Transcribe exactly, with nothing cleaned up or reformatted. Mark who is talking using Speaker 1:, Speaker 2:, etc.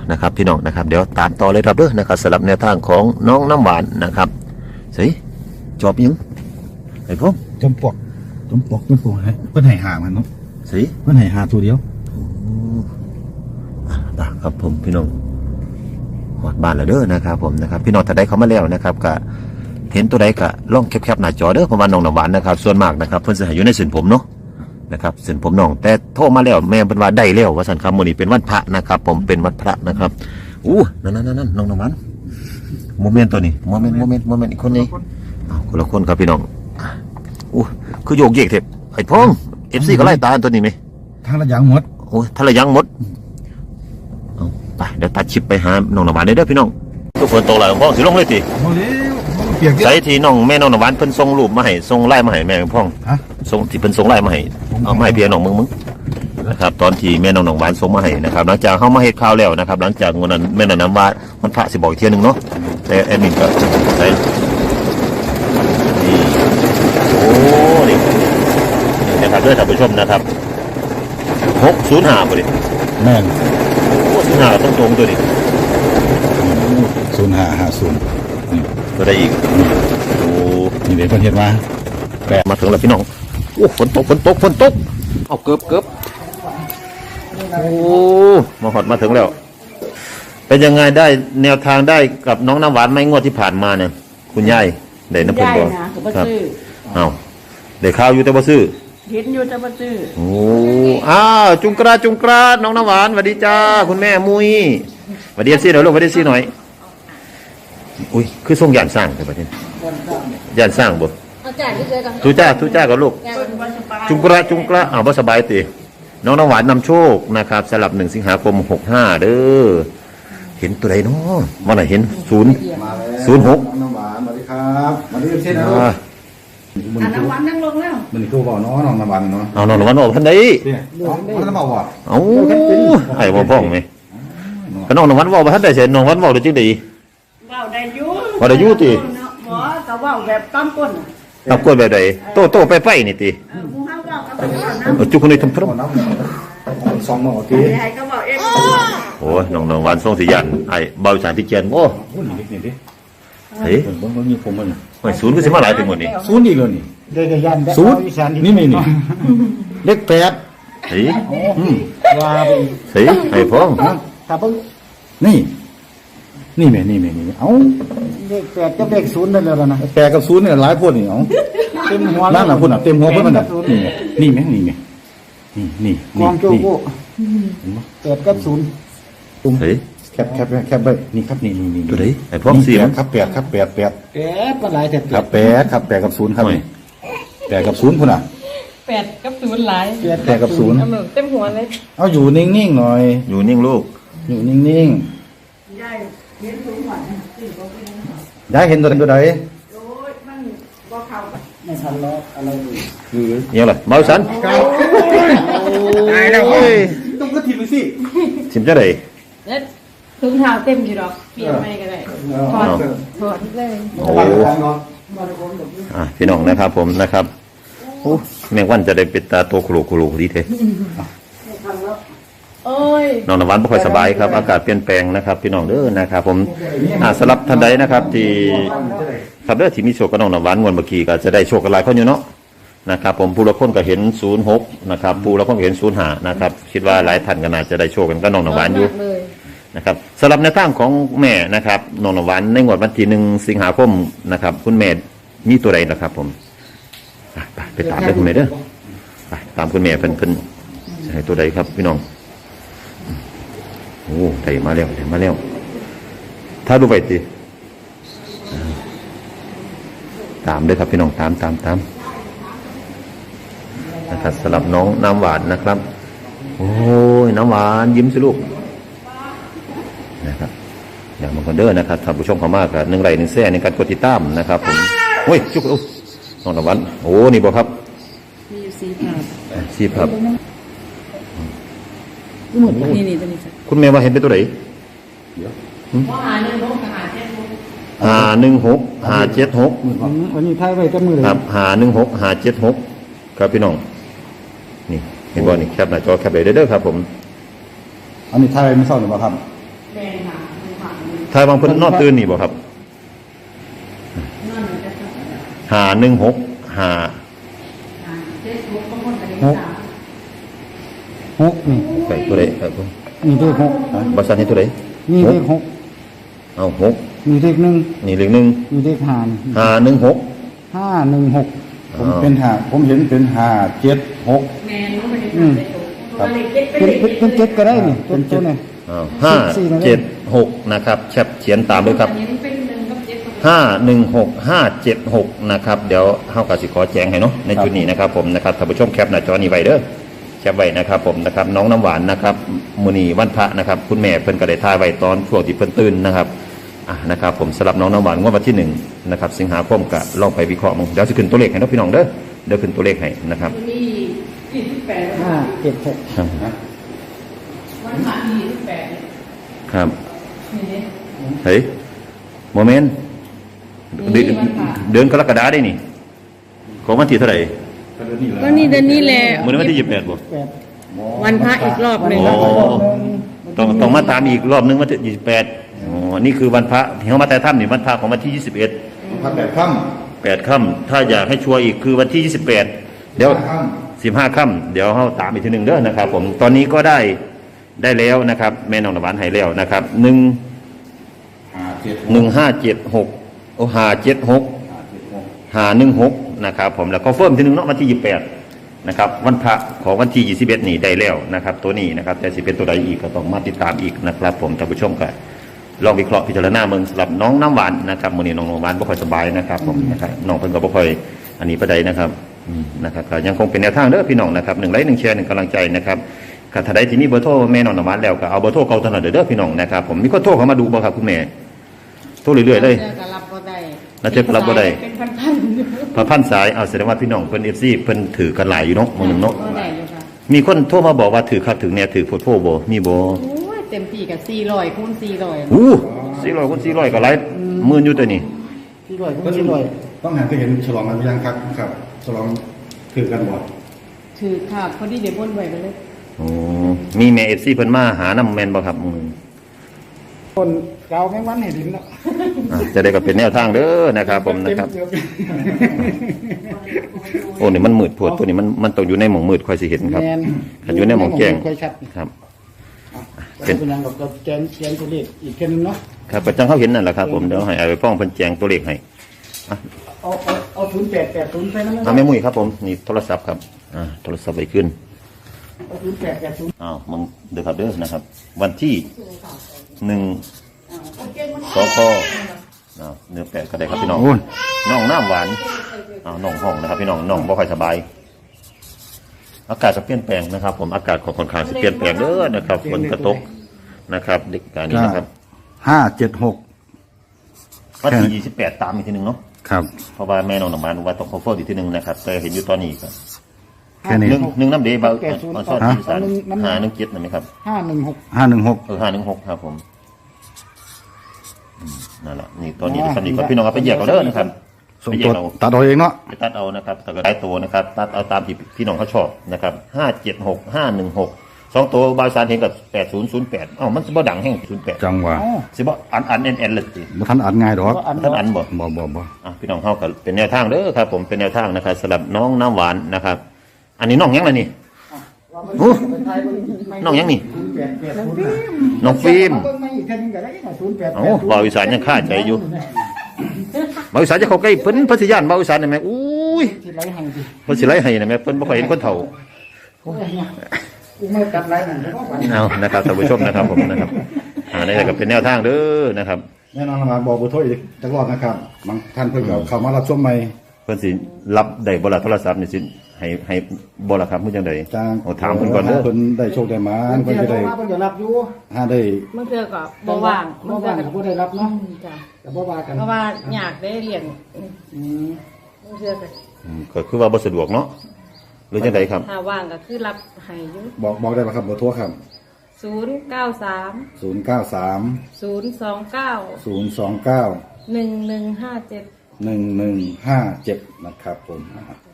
Speaker 1: นะครับพี่น้องนะครับเดี๋ยวตามต่อเลยครับเด้อนะครับสำหรับแนวทางของน้องน้ำหวานนะครับสิจอบยังไอ้พวก
Speaker 2: จมปลวกจมปลวกจมปลวกไงเพิ่นให้หามันเนาะ
Speaker 1: สิ
Speaker 2: เพิ่นให้หาตัวเดียว
Speaker 1: ตาครับผมพี่น้องหอดบ้านแล้วเด้อนะครับผมนะครับพี่น้องถ้าได้เขามาแล้วนะครับก็เห็นตัวใดก็ล่องแคบๆหน้าจอเด้อเพราะว่าน้องน้ำหวานนะครับส่วนมากนะครับเพิ่นจะให้อยู่ในเส้นผมเนาะนะครับเส้นผมน้องแต่โทรมาแล้วแม่เป็นว่าได้แล้วว่าสันคำมื้อนี้เป็นวันพระนะครับผมเป็นวันพระนะครับอู้นั่นนั่นนั่นน้องน้ำหวานโมเมนต์ตัวนี้โมเมนต์โมเมนต์โมเมนต์อีกคนนี้คนละคนครับพี่น้องอู้คือโยกเยกเถอะไอ้พงเอฟซีก็ไล่ตาตัวนี้ไหม
Speaker 2: ทางระยังหมด
Speaker 1: โอ้ทางระยังหมดเอาไปเดี๋ยวตัดชิปไปหาน้องน้ำหวานได้เด้อพี่น้องทุกคนโตแล้วพ่อสิลงเลยทีใส่ทีน้องแม่น้องน้ำหวานเพิ่นส่งรูปมาให้ส่งไล่มาให้แม่พ่องส่งที่เพิ่นส่งไล่มาให้เอามาให้พี่น้องมึงมึงนะครับตอนที่แม่น้องน้ำหวานส่งมาให้นะครับหลังจากเข้ามาเฮ็ดข้าวแล้วนะครับหลังจากวันนั้นแม่น้องน้ำหวานมันพระสิบอกอีกเที่ยนึงเนาะแต่แอดมินก็ใส่นี่โอ้นี่นะครับด้วยท่านผู้ชมนะครับหกศูนย์ห้าบ่ดิ
Speaker 2: แม่น
Speaker 1: โอ้ศูนย์ห้าต้องตรงตัวนี้
Speaker 2: ศูนย์ห้าห้าศูนย์
Speaker 1: ตัวใดอีกโอ้
Speaker 2: นี่เดี๋ยวเพิ่นเฮ็ดมา
Speaker 1: แปะมาถึงแล้วพี่น้องโอ้ฝนตกฝนตกฝนตกเอาเกือบเกือบโอ้มาหอดมาถึงแล้วเป็นยังไงได้แนวทางได้กับน้องน้ำหวานไหมงวดที่ผ่านมาเนี่ยคุณยายได้น้ำเพิ่นบ่ครับเอาได้ข้าวอยู่แต่บ่ซื้อ
Speaker 3: เห็นอยู่แต่บ่ซื้อ
Speaker 1: โอ้อ้าวจุงกระจุงกระน้องน้ำหวานสวัสดีจ้าคุณแม่มุ้ยสวัสดีซี่หน่อยลูกสวัสดีซี่หน่อยอุ้ยคือส่งยานสร้างใช่ปะเนี่ยยานสร้างบ่ทุจ้าทุจ้ากับลูกจุงกระจุงกระอ้าวบ่สบายตีน้องน้ำหวานนำโชคนะครับสลับหนึ่งสิงหาคมหกห้าเด้อเห็นตัวใดเนาะว่าไหนเห็นศูนย์ศูนย์หก
Speaker 2: น้ำหวานสวัสดีครับมาดูเช่นนะ
Speaker 3: น้ำหวานนั่งลงแล้ว
Speaker 2: มันคือบอกน้องน้องน้ำหวานเนาะ
Speaker 1: เอาน้องน้ำหวานออกท่านใด
Speaker 2: มันจะบอกว่า
Speaker 1: เอาไอ้บ่พ้องไหมก็น้องน้ำหวานบอกว่าท่านใดเสร็จน้องหวานบอกได้จริงดี
Speaker 3: ว่าได้ยุ่
Speaker 1: ว่าได้ยุ่ตี
Speaker 3: หมอแต่ว่าแบบต้มก้น
Speaker 1: ต้มก้นแบบใดโตโตไปไปนี่ตีจุกคนนี้ทำพร้อม
Speaker 2: สองหม้อตี
Speaker 1: โอ้ยน้องน้องหวานส่งสียันไอ้เบาสารพิเจนโอ้เฮ้ย
Speaker 2: มันมีผมมัน
Speaker 1: ไม่ศูนย์ก็สิมาหลายถึงหมดนี่
Speaker 2: ศูนย์อีกเลยนี่
Speaker 3: เด็กยัน
Speaker 2: ศูนย์นี่ไม่นี่เล็กแปด
Speaker 1: เฮ้ย
Speaker 3: ว่า
Speaker 1: เฮ้ยไอ้พ่อง
Speaker 3: ครับพ่ง
Speaker 2: นี่นี่แม่นี่แม่นี่เอ้า
Speaker 3: เด็กแปดกับเด็กศูนย์นั่นแล้วนะ
Speaker 2: แปดกับศูนย์เนี่ยหลายพวกนี่เอ้า
Speaker 3: เต็มหัว
Speaker 2: นั่นแหละพวกน่ะเต็มหัวพวกมันน่ะนี่นี่แม่นี่แม่นี่นี่
Speaker 3: กองโจโก้แปดกับศูนย์
Speaker 1: เฮ้ย
Speaker 2: แคบแคบแคบไปนี่ครับนี่นี่นี่
Speaker 1: ตัวไหนไอ้พ่องเสีย
Speaker 2: ครับแปดครับแปดแปด
Speaker 3: แปดเป็นไรแต่
Speaker 2: ครับแปดครับแปดกับศูนย์ครับนี่แปดกับศูนย์พวกน่ะ
Speaker 4: แปดกับศูนย์หลาย
Speaker 2: แปดกับศูนย์
Speaker 4: เต็มหัวเลย
Speaker 2: เอาอยู่นิ่งๆหน่อย
Speaker 1: อยู่นิ่งลูก
Speaker 2: อยู่นิ่งๆได้เห็นตัวไหนได้เห็นตัวไหนตัวใด
Speaker 3: ไม่ทันแล้วอะไรเลย
Speaker 1: คือยังไงเมาสัน
Speaker 3: ตายแล้ว
Speaker 2: ต้องก็ทีมไปสิ
Speaker 1: ทีมจะไหน
Speaker 4: แล้วถุงเท้าเต็มอยู่หรอกเปลี่ยนไม่ก็ได้ถอดถอดเลย
Speaker 1: โอ้อ่ะพี่น้องนะครับผมนะครับโอ้แมงวันจะได้ปิดตาตัวขลุกขลุกดีเท่น้องน้ำหวานไม่ค่อยสบายครับอากาศเปลี่ยนแปลงนะครับพี่น้องเด้อนะครับผมสำหรับท่านใดนะครับที่ครับเด้อที่มีโชคกับน้องน้ำหวานงวดเมื่อกี้ก็จะได้โชคกันหลายคนอยู่เนาะนะครับผมผู้ละคนก็เห็นศูนย์หกนะครับผู้ละคนก็เห็นศูนย์ห้านะครับคิดว่าหลายท่านก็น่าจะได้โชคกันก็น้องน้ำหวานอยู่นะครับสำหรับในทางของแม่นะครับน้องน้ำหวานในงวดวันที่หนึ่งสิงหาคมนะครับคุณแม่มีตัวใดนะครับผมไปไปตามได้คุณแม่เด้อไปตามคุณแม่เพิ่นเพิ่นให้ตัวใดครับพี่น้องโอ้ได้มาแล้วได้มาแล้วถ้าดูไปตีตามด้วยครับพี่น้องตามตามตามนะครับสำหรับน้องน้ำหวานนะครับโอ้ยน้ำหวานยิ้มสิลูกนะครับอย่างบางคนเด้อนะครับท่านผู้ชมเขามากกับหนึ่งไร่หนึ่งแซ่ในการกดติดตามนะครับผมโอ้ยจุกอุ๊น้องน้ำหวานโอ้นี่บอกครับ
Speaker 4: มีอยู่สี่ภาพ
Speaker 1: สี่ภาพ
Speaker 4: หมดนี่นี่ตัวนี้
Speaker 1: คุณแม่ว่าเห็นเป็นตัวไหน
Speaker 4: หาหนึ่งหกหาเจ็ดหก
Speaker 1: หาหนึ่งหกหาเจ็ดหก
Speaker 3: วันนี้ท้ายไว้กับมือเลย
Speaker 1: ครับหาหนึ่งหกหาเจ็ดหกครับพี่น้องนี่เห็นบ่นี่แคปหน้าจอแคปเลยเด้อครับผม
Speaker 2: อันนี้ท้ายไม่เศร้าหรือเปล่าครับ
Speaker 4: แปลงค่ะเป็นผัก
Speaker 1: ทายบางเพิ่นนอนตื่นนี่บ่ครับ
Speaker 4: นั่นจะท
Speaker 1: ห้าหนึ่งหกห้า
Speaker 4: ำเฟซบุ๊กบางคนก็ได้สาม
Speaker 3: หกนี่
Speaker 1: ไปตัวใดครับผม
Speaker 3: นี่เลขหก
Speaker 1: บ่ซันนี่ตัวใด
Speaker 3: นี่เลขหก
Speaker 1: เอาหก
Speaker 3: นี่เลขหนึ่ง
Speaker 1: นี่เลขหนึ่ง
Speaker 3: นี่เลขห้า
Speaker 1: ห้าหนึ่งหก
Speaker 3: ห้าหนึ่งหก
Speaker 2: ผมเป็นหาผมเห็นเป็นหาเจ็ดหก
Speaker 4: แมนก็ไม่ได้ทำเฟซบุ๊กเพราะว่าเลขเจ็ดเป็น
Speaker 3: เป็น
Speaker 4: เลข
Speaker 3: เป็นเป็นเจ็ดก็ได้นี่เป็นตัวนี่
Speaker 1: อ้าวห้าเจ็ดหกนะครับแคปเขียนตามด้วยครับ
Speaker 4: อันนี้เป็นหนึ่งกับเจ็ด
Speaker 1: ห้าหนึ่งหกห้าเจ็ดหกนะครับเดี๋ยวเฮาก็สิขอแจ้งให้เนาะในจุดนี้นะครับผมนะครับท่านผู้ชมแคปหน้าจอนี้ไว้เด้อแคปไว้นะครับผมนะครับน้องน้ำหวานนะครับมื้อนี้วันพระนะครับคุณแม่เพิ่นก็ได้ถ่ายไว้ตอนช่วงที่เพิ่นตื่นนะครับอ่ะนะครับผมสำหรับน้องน้ำหวานงวดวันที่หนึ่งนะครับสิงหาคมก็ลองไปวิเคราะห์มึงเดี๋ยวสิขึ้นตัวเลขให้เนาะพี่น้องเด้อเดี๋ยวขึ้นตัวเลขให้นะครับ
Speaker 4: มียี่สิบแปด
Speaker 3: ห้าเจ็ดหก
Speaker 4: วันผ่านยี่สิบแปด
Speaker 1: ครับ
Speaker 4: นี่เนี่ย
Speaker 1: เฮ้ยโมเมนต์เดือนเดือนกรกฎาได้นี่ของวันที่เท่าไหร่
Speaker 4: ก็นี่เดือนนี้แหละ
Speaker 1: มื้อนี้วันที่ยี่สิบแปดบ่
Speaker 3: แปด
Speaker 4: วันพระอีกรอบหนึ่ง
Speaker 1: โอ้ต้องต้องมาตามอีกรอบนึงวันที่ยี่สิบแปดอ๋อนี่คือวันพระที่เขามาแต่ถ้ำนี่วันพระของวันที่ยี่สิบเอ็ด
Speaker 2: พันแปดค่
Speaker 1: แปดค่ำถ้าอยากให้ชัวร์อีกคือวันที่ยี่สิบแปด
Speaker 2: ำ
Speaker 1: เดี๋ยว
Speaker 2: ค่
Speaker 1: สิบห้าค่ำเดี๋ยวเขาตามอีกทีหนึ่งเด้อนะครับ ผมตอนนี้ก็ได้ได้แล้วนะครับ แม่น้องนวานให้แล้วนะครับหนึ่ง
Speaker 2: ำหาเจ็ด
Speaker 1: หนึ่งห้าเจ็ดหกโอห้าเจ็ดหก
Speaker 2: หาเจ็ดหก
Speaker 1: ห้าหนึ่งหกนะครับผมแล้วก็เฟิร์มทีหนึ่งเนาะวันที่ยี่สิบแปดนะครับวันพระของวันที่ยี่สิบเอ็ดนี่ได้แล้วนะครับ ตัวนี้นะครับแต่สิเป็นตัวใดอีกก็ต้องมาติดตามอีกนะครับ ผมท่านผู้ชมกันลองวิเคราะห์พิจารณาเมืองสำหรับน้องน้ำหวานนะครับมื้อนี้น้องน้ำหวานบ่ค่อยสบายนะครับผมนะครับน้องเพิ่นก็บ่ค่อยอันนี้ประใดนะครับอืมนะครับก็ยังคงเป็นแนวทางเด้อพี่น้องนะครับหนึ่งไลค์หนึ่งแชร์หนึ่งกำลังใจนะครับถ้าท่านใดที่มีเบอร์โทรแม่น้องน้ำหวานแล้วก็เอาเบอร์โทรเก่าเท่านั้นเด้อพี่น้องนะครับผมมีคนโทรเข้ามาดูบ่ครับคุณแม่โทรเรื่อยๆเลย
Speaker 4: เจอกับรับก็ได้
Speaker 1: แล้วเจอกับรับบ่ได้
Speaker 4: เป็นพันๆอยู่
Speaker 1: พระพันสายเอาแสดงว่าพี่น้องเพิ่น เอฟ ซี เพิ่นถือกันหลายอยู่เนาะมื้อหนึงเนาะ
Speaker 4: ก็ได้อยู่ค่ะ
Speaker 1: มีคนโทรมาบอกว่าถือคักถือแน่ถือโพดโพบ่มีบ่
Speaker 4: โอ้ยเต็มที่กับสี่ร้อยคูณสี่ร้อย
Speaker 1: อู้สี่ร้อยคนสี่ร้อยก็หลายหมื่นอยู่ตัวนี้
Speaker 3: ที่ร้อย
Speaker 2: ก็
Speaker 3: ที่ร้อย
Speaker 2: ต้องหันไปเห็นฉลองกันยังครับครับฉลองถือกันบ่
Speaker 4: ถือค่ะพอดีเดี๋ยวบนไว้ไปเลย
Speaker 1: โอ้มีแม่ เอฟ ซี เพิ่นมาหานำแม่นบ่ครับมื้อนึง
Speaker 3: คนเกาแมงวันให้ดินแล้ว
Speaker 1: อ่ะจะได้ก็เป็นแนวทางเด้อนะครับผมนะครับ
Speaker 3: เต็ม
Speaker 1: โอ้นี่มันมืดโพดตัวนี้มันมันต้องอยู่ในหม่องมืดค่อยสิเห็นครับ
Speaker 3: แมน
Speaker 1: ถ้าอยู่ในหม่องแจ้ง
Speaker 3: ค่อยชัด
Speaker 1: ครับ
Speaker 3: เป็นเป็นยังกับกับแกนแกนตัวเลขอีกแค่นึงเนาะ
Speaker 1: ครับประจังเขาเห็นนั่นแหละครับผมเดี๋ยวให้เอาไปฟ้องเพิ่นแจงตัวเลขให้
Speaker 3: เอาเอาเอาศูนย์แปดแปดศูนย์ไปนั่น
Speaker 1: เอาแม่มุ้ยครับผมนี่โทรศัพท์ครับอ่าโทรศัพท์ไปขึ้น
Speaker 3: เอาศูนย์แปดแปดศูนย์
Speaker 1: อ้าวมึงเด้อครับเด้อนะครับ วันที่หนึ่งสองข้ออ้าวเนื้อแปดก็ได้ครับพี่น้องน้องน้ำหวานอ้าวน้องห้องนะครับพี่น้องน้องบ่ค่อยสบาย อากาศจะเปลี่ยนแปลงนะครับ ผมอากาศของค่อนข้างจะเปลี่ยนแปลงเด้อนะครับฝนกระตกนะครับเด็กการนี้นะครับ
Speaker 2: ห้าเจ็ดหก
Speaker 1: วันที่ยี่สิบแปดตามอีกทีหนึ่งเนาะ
Speaker 2: ครับ
Speaker 1: เพราะว่าแม่น้องน้ำหวานว่าต้องคอฟเฟอร์อีกทีหนึ่งนะครับแต่เห็นอยู่ตอนนี้ก็
Speaker 2: แค่นี้
Speaker 1: หนึ่งหนึ่งน้ำเดย์เบาอันซ่อนที่สารห้าหนึ่งเจ็ดนะไหมครับ
Speaker 3: ห้าหนึ่งหก
Speaker 2: ห้าหนึ่งหก
Speaker 1: เออห้าหนึ่งหกครับผมอืมนั่นแหละนี่ตอนนี้ตอนนี้ก็พี่น้องเอาไปแยกเอาเด้อนะครับ
Speaker 2: ส่ง
Speaker 1: ไปแย
Speaker 2: ตัว
Speaker 1: กเอา
Speaker 2: ตัดเอาเองเนาะ
Speaker 1: ไปตัดเอานะครับแต่ก็ได้ตัวนะครับ ตัดเอาตามที่พี่น้องเขาชอบนะครับห้าเจ็ดหกห้าหนึ่งหกสองตัวบาสารเห็นกับแปดศูนย์ศูนย์แปดอ้าวมันสิบ่ดังแห้งศูนย์แปด
Speaker 2: จังหวะ
Speaker 1: สิบ่อันอันเอ็นเอ็นเลยสิ
Speaker 2: บ่ทันอัดง่ายดอก
Speaker 3: ก็อัน
Speaker 1: ท่านอันบ่
Speaker 2: บ่บ่บ่
Speaker 1: อ่ะพี่น้องเขาก็เป็นแนวทางเด้อครับ ผมเป็นแนวทางนะครับสำหรับน้องน้ำหวานนะครับ อันนี้น้องยังไงนี่โอ้น้องยังนี่
Speaker 3: ศูนย์แปดแปดศูนย์
Speaker 1: น้องฟิล์ม
Speaker 3: เบิ่งมาอีกแค่นึงก็ได้ศูนย์แปด
Speaker 1: โอ้บ่าวอีสานยังคาใจอยู่บ่าวอีสานจะเข้าใกล้เพิ่นพัทยานบ่าวอีสานได้ไหมอุ้ย
Speaker 3: ที่ไรให้ดิ
Speaker 1: เพิ่นสิไล่ให้นะแม่เพิ่นบ่ค่อยเห็นคนเฒ่า
Speaker 3: กูไม่กัดไรนั่นเพราะว่า
Speaker 1: เอานะครับท่านผู้ชมนะครับผมนะครับอ่านี่ก็เป็นแนวทางเด้อนะครับ
Speaker 2: แน่นอนมาบอกเบอร์โทรอีกจักรอบนะครับบางท่านเพิ่นก็เข้ามารับชมใหม่
Speaker 1: เพิ่นสิรับได้บ่ล่ะโทรศัพท์นี่สิให้ให้บ่ล่ะครับมื้อจังได๋
Speaker 2: จ้าง
Speaker 1: โอ้ถามเพิ่นก่อนเด้อ
Speaker 2: เพิ่นได้โชคได้หมาน
Speaker 3: เพิ่
Speaker 2: เพิ่
Speaker 3: น
Speaker 2: น
Speaker 3: จะ
Speaker 2: จะ
Speaker 3: ได้
Speaker 2: ได้
Speaker 3: เพิ่นจะรับอยู่
Speaker 2: หาได้
Speaker 4: เมื่อเจอก็บ่ว่าง
Speaker 3: บ่ว่างก็บ่ได้รับเนาะ
Speaker 4: จ้ะ
Speaker 3: แต่บ่ว่ากัน
Speaker 4: เพราะว่าอยากได้เรียน
Speaker 3: อืม
Speaker 4: เมื่อเจอก็
Speaker 1: อืมก็คือว่าบ่สะดวกเนาะหรือจังไดครับ
Speaker 4: ถ้าว่างก็คือรับให้อยู่
Speaker 2: บอกบอกได้ป่ะครับเบอร์โทรครับ
Speaker 4: ศูนย์เก้าสาม
Speaker 2: ศูนย์ เก้า สาม
Speaker 4: ศูนย์สองเก้า
Speaker 2: ศูนย์ สอง เก้า
Speaker 4: หนึ่งหนึ่งห้าเจ็ด
Speaker 2: หนึ่ง หนึ่ง ห้า เจ็ดนะครับผม